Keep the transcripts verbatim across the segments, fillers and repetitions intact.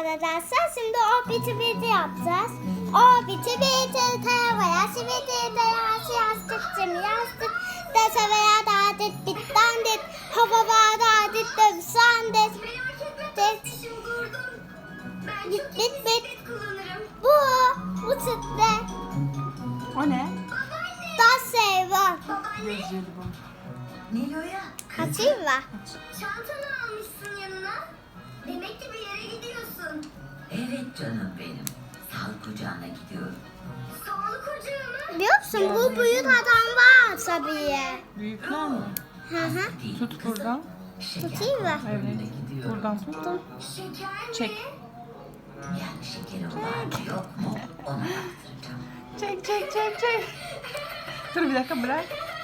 arkadaşlar. Şimdi o biti biti yapacağız. O biti biti tavaya siviti tayası yastık cimi yastık dese veya da dit bitten dit hava da dit dövsen dit dit bit bit bit bu bu çıktı. O ne? Das şey var. Gözleri bu. Nilo'ya. Kaçayım var. Çantanı almışsın yanına. Demek ki bir yere gidiyorsun. Evet canım benim. Sağlık kucağına gidiyorum. Sağlık ocağı mı? Biliyor musun bu büyük adam var tabii. Büyükler mi? Hı hı. Değil Tut kızım. buradan. Şeker Tutayım mı? kontrolüne Evet. gidiyorum. Buradan tut. Şeker mi? Çek. Yani şekeri var mı yok mu ona baktıracağım. Çek çek çek çek. Dur bir dakika bırak.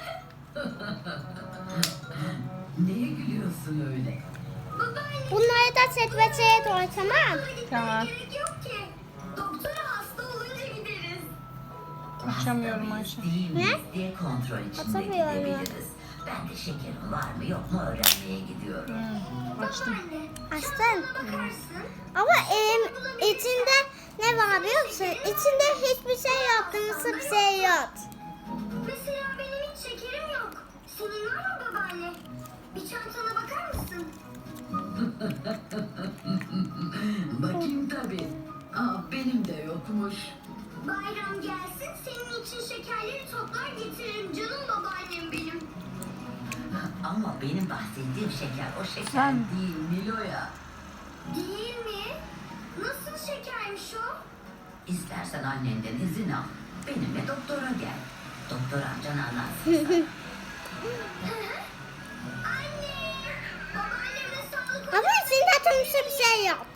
Neye gülüyorsun öyle? Babaanne. Bunları da çekmeceye koy tamam. Tamam. Gerek yok ki. Doktora hasta olunca gideriz. Açamıyorum Ayşe. Değil Ne? miyiz diye kontrol içinde Atamıyorum. gidebiliriz. Ben de şekerim var mı yok mu öğrenmeye gidiyorum. Hı, açtım. Babaanne. Açtın. Çantana bakarsın. Ama elim içinde ne var biliyor musun? İçinde hiçbir şey yok. Kırmızı bir şey yok. Mesela benim hiç şekerim yok. Senin var mı babaanne? Bir çantana bakar mısın? Bakayım tabii. Aa, benim de yokmuş. Bayram gelsin senin için şekerleri toplar getiririm canım babaannem benim. Ama benim bahsettiğim şeker o şeker Sen- değil Nilo'ya. Değil mi? Nasıl şekermiş o? İstersen annenden izin al. Benimle doktora gel. Doktor amcan anlatsın sana. Anne! Babaannemle sağlık Ama içinde kırmızı bir şey yok.